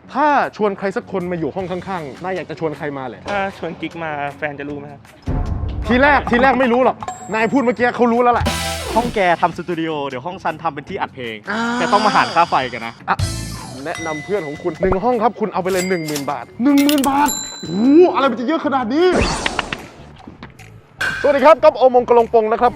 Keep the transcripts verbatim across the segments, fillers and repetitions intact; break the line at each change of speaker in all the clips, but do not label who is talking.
ถ้าชวนใครสักคนมาอยู่ห้องข้างๆนายอยากจะชวนใครมาเลย
ถ้าชวนกิ๊กมาแฟนจะรู้ไหมครับ
ทีแรกทีแรกไม่รู้หรอกนายพูดเมื่อกี้เขารู้แล้วแหละ
ห้องแกทำสตูดิโอเดี๋ยวห้องซันทำเป็นที่อัดเพลงแต่ต้องมาหารค่าไฟกันนะ
แนะนำเพื่อนของคุณหนึ่งห้องครับคุณเอาไปเลย หนึ่งหมื่น บาท หนึ่งหมื่น บาทโอ้โหอะไรมันจะเยอะขนาดนี้สวัสดีครับก๊อฟโอมงกลงปงนะครับ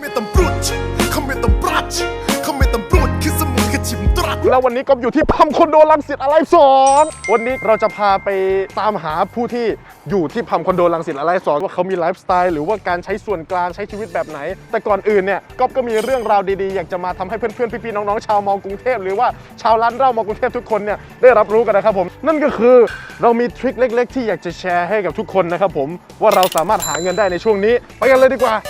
แล้ววันนี้ก๊อฟอยู่ที่พัมคอนโดรังสิตอะไรสอนวันนี้เราจะพาไปตามหาผู้ที่อยู่ที่พัมคอนโดรังสิตอะไรสอนว่าเขามีไลฟ์สไตล์หรือว่าการใช้ส่วนกลางใช้ชีวิตแบบไหนแต่ก่อนอื่นเนี่ยก๊อฟก็มีเรื่องราวดีๆอยากจะมาทำให้เพื่อนๆพี่ๆน้องๆชาวมอกรุงเทพหรือว่าชาวร้านเหล้ามอกรุงเทพทุกคนเนี่ยได้รับรู้กันนะครับผมนั่นก็คือเรามีทริคเล็กๆที่อยากจะแชร์ให้กับทุกคนนะครับผมว่าเราสามารถหาเงินได้ในช่วงนี้ไปกันเลยดีกว่า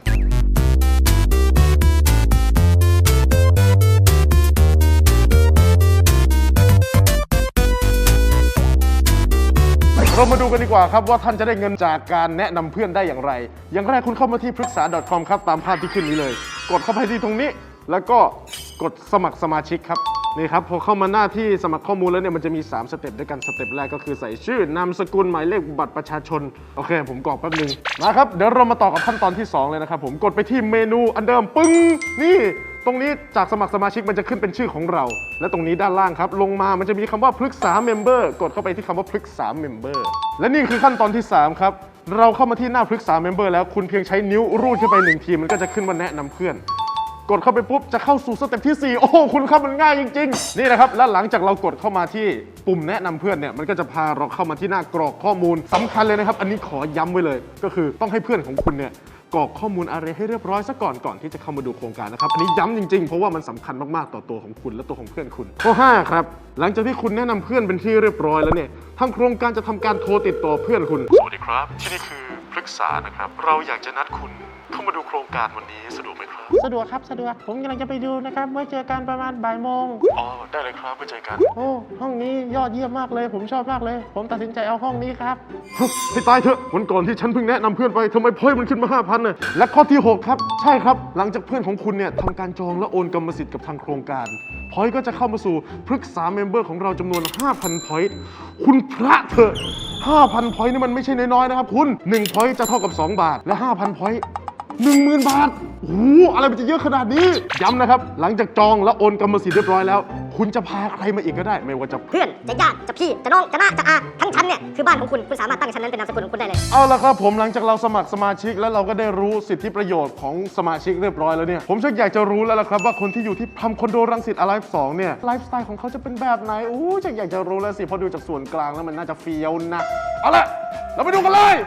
เรามาดูกันดีกว่าครับว่าท่านจะได้เงินจากการแนะนำเพื่อนได้อย่างไรอย่างแรกคุณเข้ามาที่ปรึกษา .com ครับตามภาพที่ขึ้นนี้เลยกดเข้าไปที่ตรงนี้แล้วก็กดสมัครสมาชิกครับนี่ครับพอเข้ามาหน้าที่สมัครข้อมูลแล้วเนี่ยมันจะมีสามสเต็ปด้วยกันสเต็ปแรกก็คือใส่ชื่อนามสกุลหมายเลขบัตรประชาชนโอเคผมกรอกแป๊บนึงนะครับเดี๋ยวเรามาต่อกับขั้นตอนที่สองเลยนะครับผมกดไปที่เมนูอันเดิมปึ้งนี่ตรงนี้จากสมัครสมาชิกมันจะขึ้นเป็นชื่อของเราและตรงนี้ด้านล่างครับลงมามันจะมีคำว่าปรึกษาเมมเบอร์กดเข้าไปที่คำว่าปรึกษาเมมเบอร์และนี่คือขั้นตอนที่สามครับเราเข้ามาที่หน้าปรึกษาเมมเบอร์แล้วคุณเพียงใช้นิ้วรูดขึ้นไปหนึ่งทีมันก็จะขึ้นว่าแนะนำเพื่อนกดเข้าไปปุ๊บจะเข้าสู่สเต็ปที่สี่โอ้โหคุณครับมันง่ายจริงๆนี่นะครับและหลังจากเรากดเข้ามาที่ปุ่มแนะนำเพื่อนเนี่ยมันก็จะพาเราเข้ามาที่หน้ากรอกข้อมูลสำคัญเลยนะครับอันนี้ขอย้ำไว้เลยก็คือต้องให้เพื่อนของคุณเนี่ยกรอกข้อมูลอะไรให้เรียบร้อยซะก่อนก่อนที่จะเข้ามาดูโครงการนะครับอันนี้ย้ำจริงๆเพราะว่ามันสำคัญมากๆต่อตัวของคุณและตัวของเพื่อนคุณข้อห้าครับหลังจากที่คุณแนะนำเพื่อนเป็นที่เรียบร้อยแล้วเนี่ยทางโครงการจะทำการโทรติดต่อเพื่อนคุณสวัสดีครับที่นี่คือปรึกษานะครับเราอยากจะนัดคุณเข้ามาดูโครงการวันนี้สะดวกไหมครับ
สะดวกครับสะดวกผมกำลังจะไปดูนะครับไว้เจอกันประมาณบ่ายโมง
อ๋อได้เลยครับไว้เจอกัน
โอ้ห้องนี้ยอดเยี่ยมมากเลยผมชอบมากเลยผมตัดสินใจเอาห้องนี้ครับ
ให้ตายเถอะวันก่อนที่ฉันเพิ่งแนะนำเพื่อนไปทำไมพอยต์มันขึ้นมา ห้าพัน น่ะและข้อที่หกครับใช่ครับหลังจากเพื่อนของคุณเนี่ยทำการจองและโอนกรรมสิทธิ์กับทางโครงการพอยต์ก็จะเข้ามาสู่ปรึกษาเมมเบอร์ของเราจำนวน ห้าพัน พอยต์คุณพระเถอะ ห้าพัน พอยต์นี่มันไม่ใช่น้อยๆนะครับคุณหนึ่งพอยต์จะเท่ากับสองบาทและ ห้าพัน พอยต์หนึ่งหมื่น บาทโอ้โหอะไรมันจะเยอะขนาดนี้ย้ำนะครับหลังจากจองและโอนกรรมสิทธิ์เรียบร้อยแล้วคุณจะพาใครมาอีกก็ได้ไม่ว่าจะ
เพื่อนจะญาติจะพี่จะน้องจะน้าจะอาทั้งชั้นเนี่ยคือบ้านของคุณคุณสามารถตั้งชั้นนั้นเป็นนามสกุลของคุณได้เลย
เอาละครับผมหลังจากเราสมัครสมาชิกแล้วเราก็ได้รู้สิทธิประโยชน์ของสมาชิกเรียบร้อยแล้วเนี่ยผมชักอยากจะรู้แล้วล่ะครับว่าคนที่อยู่ที่พัมคอนโดรังสิตอไลฟ์สองเนี่ยไลฟ์สไตล์ของเขาจะเป็นแบบไหนโอ้ชักอยากจะรู้แล้วสิพอดูจากส่วนกลางแล้วมันน่าจะเฟี้ยวนะเอาละเราไปดูกันเลย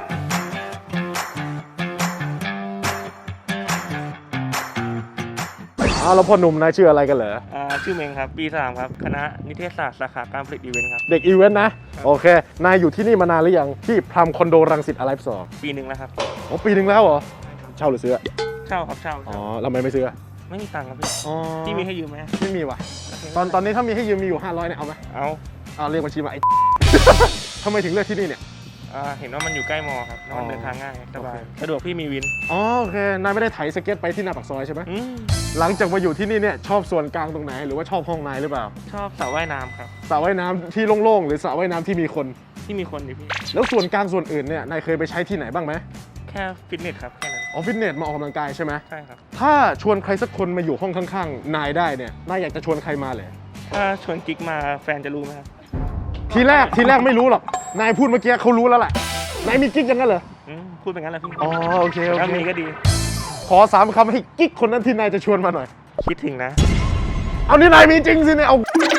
อ้าวแล้วพ่อหนุ่มนายชื่ออะไรกันเหรอ
อ่าชื่อเมงครับปีสามครับคณะนิเทศศาสตร์สาขาการผลิตอีเวนต์ครับ
เด็กอีเวนต์นะโอเคนายอยู่ที่นี่มานานหรือยังที่พัมคอนโดรังสิตอไลฟ์สอง
ปีหนึ่งแล้วครับ
อ๋อปีหนึ่งแล้วเหรอเช่าหรือซื้อ
เช่าครับเช่า
อ๋อแล้วทำไมไม่ซื้อ
ไม่มีตังค์ครับพี่
อ๋อ
พี่มีให้ยืมไหม
ไม่มีว่ะตอนตอนนี้ถ้ามีให้ยืมมีอยู่ห้าร้อยเนี่ยเอาไหม
เอา
เอาเรียกบัญชีมาไอ้ ทำไมถึงเลือกที่นี่เนี่ย
เห็นว่ามันอยู่ใกล้มอครับแล้วมันเดินทางง่ายสบายสะดวกพี่มีวิน
อ๋อโอเคนายไม่ได้ไถสเก็ตไปที่หน้าปากซอยใช่ไหมหลังจากมาอยู่ที่นี่เนี่ยชอบส่วนกลางตรงไหนหรือว่าชอบห้องนายหรือเปล่า
ชอบสระว่ายน้ำครับ
สระว่ายน้ำที่โล่งๆหรือสระว่ายน้ำที่มีคน
ที่มีคนดิพี่
แล้วส่วนกลางส่วนอื่นเนี่ยนายเคยไปใช้ที่ไหนบ้างไหม
แค่ฟิตเนสครับแค่นั้น
อ๋อฟิตเนสมาออกกำลังกายใช่ไหม
ใช่ครับ
ถ้าชวนใครสักคนมาอยู่ห้องข้างๆนายได้เนี่ยนายอยากจะชวนใครมาเลย
ถ้าชวนกิ๊กมาแฟนจะรู้ไหมครับ
ทีแรกทีแรกไม่รู้หรอกนายพูดเมื่อกี้เขารู้แล้วแหละนายมีกิ๊กอย่างนั้นเหรอ
พูดเป็นงั้นแหละพี่
อ๋อโอเคโอเค
ถ้ามีก็ดี
ขอสามคำให้กิ๊กคนนั้นที่นายจะชวนมาหน่อย
คิดถึงนะ
เอานี่นายมีจริงสิเนี่ยเอา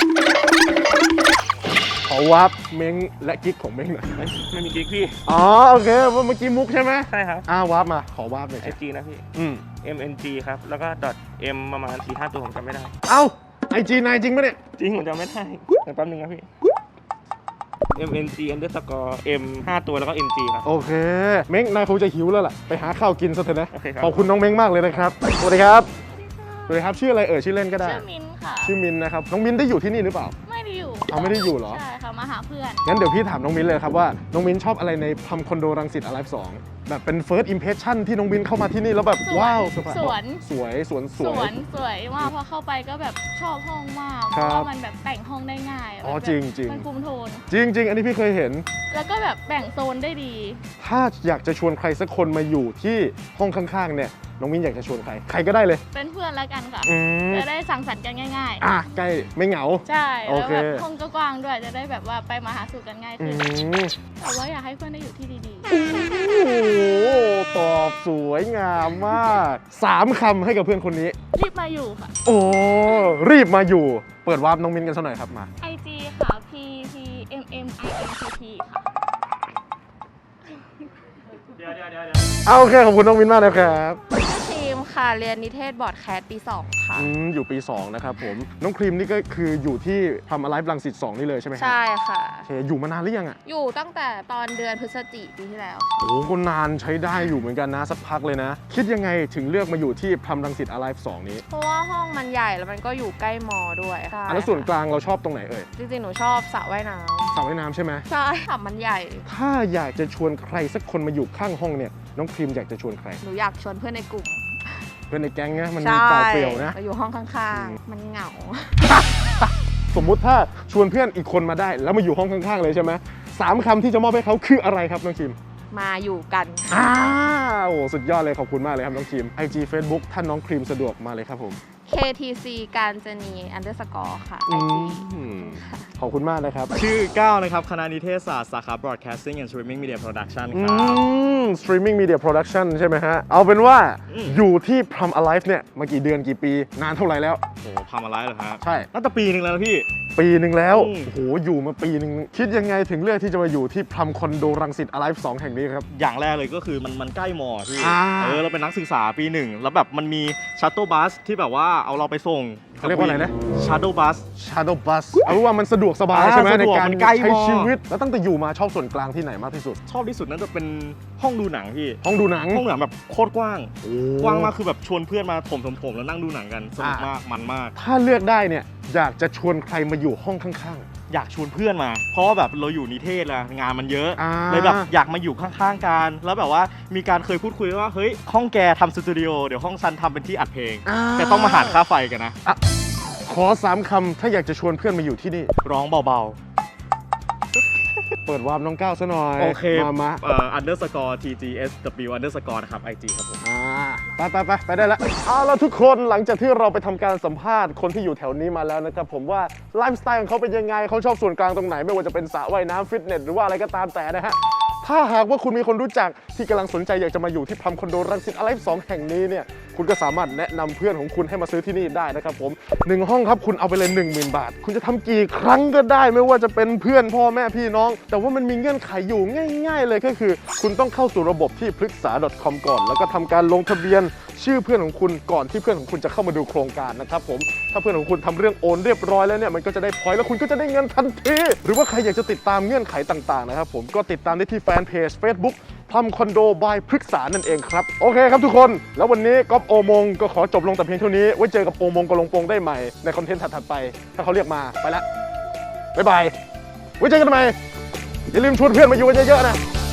ขอวาร์ปเม้งและกิ๊กของเม้งหน่อย
ไม่มีกิ๊กพี่
อ๋อโอเคเมื่อกี้มุกใช่ไหม
ใช่ครับ
อ่าวาร์ปมาขอวาร์ปหน่อย
ไอจีนะพี่
อืม
เอ็ม เอ็น จี ครับแล้วก็ .m ประมาณ สี่ห้า ตัวผมจำไม่ได้
เอ้าไอจีนายจริงปะเนี่ย
จริงผมจำไม่ได้แต่แป๊บนึงนะพี่ เอ็ม เอ็น จี underscore m ห้าตัวแล้วก็ เอ็น จี ครับ
โอเคเม้งนายคงจะหิวแล้วล่ะไปหาข้าวกินซะเถอะนะ
โอเคครับ
ขอบคุณน้องเม้งมากเลยนะครับสวัสดีครับสวัสดีครับชื่ออะไรเอ่ยชื่อเล่นก็ได้
ชื่อมินค่ะ
ชื่อมินนะครับน้องมินได้อยู่ที่นี่หรือเปล่า
ไม่ได้อยู่
เอาไม่ได้อยู่เหรอ
ใช่ค่ะมามาหาเพื่อน
งั้นเดี๋ยวพี่ถามน้องมิ้นเลยครับว่าน้องมิ้นชอบอะไรในพัมคอนโดรังสิต Alive สองแบบเป็น first impression ที่น้องมิ้นเข้ามาที่นี่แล้วแบบ
สวน
ว้าวสวย
สวน
สวยสวนส
ส
ว
วย นสวยมากพอเข้าไปก็แบบชอบห้องมาก
ค
เพ
รับ
ราะว่ามันแบบแต่งห้องได้ง่าย
อ๋อ
แบบ
จริงจริง
มันคุมโทน
จริงจริงอันนี้พี่เคยเห็น
แล้วก็แบบแบ่งโซนได้ดี
ถ้าอยากจะชวนใครสักคนมาอยู่ที่ห้องข้างๆเนี่ยน้องมิ้นอยากจะชวนใครใครก็ได้เลย
เป็นเพื่อนแล้วกันค่ะ
อืม
จะได้สังสรรค์กันง่าย
อ่ะใกล้ไม่เหงา
ๆ ใช่
โอ
แล้ว
เค
แบบห้องก็กว้างด้วยจะได้แบบว่าไปมาหาสู่กันง่าย
อื
ขึ้น
ม
แต่ว่าอยากให้เพื่อนได้อยู่ที่ดี
โอ้โหตอบสวยงามมากสามคำให้กับเพื่อนคนนี้
ๆ รีบมาอยู่ค่ะ
โอ้รีบมาอยู่ เปิดวาร์ปน้องมิ้นกันสักหน่อยครับมา
ไอ จี ค่ะ P P M M I N T T ค่ะ
เอาโอเคขอบคุณน้องมิ้นมากนะครับ
ชื่อครีมค่ะ เรียนนิเทศบอร์ดแคสปีสองค่ะ
อืมอยู่ปีสองนะครับผมน้องครีมนี่ก็คืออยู่ที่ทำ Alive รังสิตสองนี่เลยใช่ไหมครับ
ใช่ค่ะ
โอเคอยู่มานานหรือยังอ่ะ
อยู่ตั้งแต่ตอนเดือนพฤศจิกายนปีที่แล้ว
โอ้โหก็นานใช้ได้อยู่เหมือนกันนะสักพักเลยนะ คิดยังไงถึงเลือกมาอยู่ที่พรมรังสิต Alive สองนี้
เพราะว่าห้องมันใหญ่แล้วมันก็อยู่ใกล้มอด้วยใช่
อันแล้วส่วนกลางเราชอบตรงไหนเอ่ย
จริงๆ หนูชอบสระว่ายน้
สระว่ายน้ำใช่ไหม
ำใช่สระมันใหญ่
ถ้าอยากจะชวนใครสักคนมาอยู่ข้างห้องเนี่ยน้องครีมอยากจะชวนใคร
หนูอยากชวนเพื่อนในกลุ่ม
เพื่อนในแก๊งนะมัน
ใช่
เปล่าเปลี่ยวนะ
มาอยู่ห้องข้างๆ มันเหงา
สมมุติถ้าชวนเพื่อนอีกคนมาได้ แล้วมาอยู่ห้องข้างๆเลยใช่ไหมสามคำที่จะมอบให้เขาคืออะไรครับน้องคิม
มาอยู่กัน
อ้าว โอ้สุดยอดเลยขอบคุณมากเลยครับน้องคิม ไอ จี Facebook ถ้าน้องครีมสะดวกมาเลยครับผม
เค ที ซี การจนี underscore ค่ะ
อื
ไอ จี
มขอบคุณมากนะครับ
ชื่อก้าวนะครับ คณะนิเทศศาสตร์สาขา Broadcasting and Streaming Media Production
อื
ครับ
ม Streaming Media Production ใช่ไหมฮะ เอาเป็นว่า
อืม
อยู่ที่ Prom Alive เนี่ยมากี่เดือนกี่ปี นานเท่าไหร่แล้ว
โอ้โหทำอะไรเหรอฮะ
ใช่
น่าจะปีหนึ่งแล้วนะพี่
ปีหนึ่งแล้ว
อืม
โอ้โห อยู่มาปีหนึ่งคิดยังไงถึงเลือกที่จะมาอยู่ที่พรมคอนโดรังสิต Alive สองแห่งนี้ครับ
อย่างแรกเลยก็คือมันมันใกล้มอพี่
อ่า
เออเราเป็นนักศึกษาปีหนึ่งแล้วแบบมันมีชัตเ l ิลบัสที่แบบว่าเอาเราไปส่ง
เขาเรียกว่าอะไรนะ
ชัตเ l ิลบัส
Shadow Bus เอาเป็นว่ามันสะดวกสบาย
อ่า
ใช่ไหม
สะ
ใน
ดวก
การ
มันใกล้
ใช้
มาก
ชีวิต แล้วตั้งแต่อยู่มาชอบส่วนกลางที่ไหนมากที่สุด
ชอบที่สุดนั่นจะเป็นห้องดูหนังพี่
ห้องดูหนัง
ห้องดูหนังแบบโคตรกว้าง
โอ้
กว้างมากคือแบบชวนเพื่อนมาถมถมถมแล้วนั่งดูหนังกันสนุกมากมันมาก
ถ้าเลือกได้เนี่ยอยากจะชวนใครมาอยู่ห้องข้าง
อยากชวนเพื่อนมา เพราะว่าแบบเราอยู่นิเทศละงานมันเยอะ
อ่า
เลยแบบอยากมาอยู่ข้างๆกันแล้วแบบว่ามีการเคยพูดคุยว่าเฮ้ยห้องแกทำสตูดิโอเดี๋ยวห้องซันทำเป็นที่อัดเพลง
อ่า
แต่ต้องมาหารค่าไฟกันนะ
ขอสามคำถ้าอยากจะชวนเพื่อนมาอยู่ที่นี่
ร้องเบา
เปิดวาร์ปน้องก้าวซะหน่อย
ๆ โอเค
มามา
เอ่อ underscore tgsw underscore นะครับ ไอ จี ครับผม
อ่าไปไปไปไปได้แล้วเอาแล้วทุกคนหลังจากที่เราไปทำการสัมภาษณ์คนที่อยู่แถวนี้มาแล้วนะครับผมว่าไลฟ์สไตล์ของเขาเป็นยังไงเขาชอบส่วนกลางตรงไหน ไม่ว่าจะเป็นสระว่ายน้ำฟิตเนสหรือว่าอะไรก็ตามแต่นะฮะถ้าหากว่าคุณมีคนรู้จักที่กำลังสนใจอยากจะมาอยู่ที่พรมคอนโดรังสิต Alive สองแห่งนี้เนี่ยคุณก็สามารถแนะนำเพื่อนของคุณให้มาซื้อที่นี่ได้นะครับผมหนึ่งห้องครับคุณเอาไปเลย หนึ่งหมื่น บาท คุณจะทำกี่ครั้งก็ได้ไม่ว่าจะเป็นเพื่อนพ่อแม่พี่น้อง แต่ว่ามันมีเงื่อนไขอยู่ง่าย ๆ เลยก็คือ คุณต้องเข้าสู่ระบบที่พฤกษา .com ก่อน แล้วก็ทำการลงทะเบียนชื่อเพื่อนของคุณก่อนที่เพื่อนของคุณจะเข้ามาดูโครงการนะครับผมถ้าเพื่อนของคุณทำเรื่องโอนเรียบร้อยแล้วเนี่ยมันก็จะได้พอยต์แล้วคุณก็จะได้เงินทันทีหรือว่าใครอยากจะติดตามเงื่อนไขต่างๆนะครับผมก็ติดตามได้ที่แฟนเพจ Facebook พรมคอนโดบายพฤกษานั่นเองครับโอเคครับทุกคนแล้ววันนี้ก๊อฟโอมงก็ขอจบลงแต่เพียงเท่านี้ไว้เจอกับโอมงกับลงโปงได้ใหม่ในคอนเทนต์ถัดๆไปถ้าเขาเรียกมาไปละบ๊ายบายไว้เจอกันใหม่อย่าลืมชวนเพื่อนมาอยู่กันเยอะๆนะ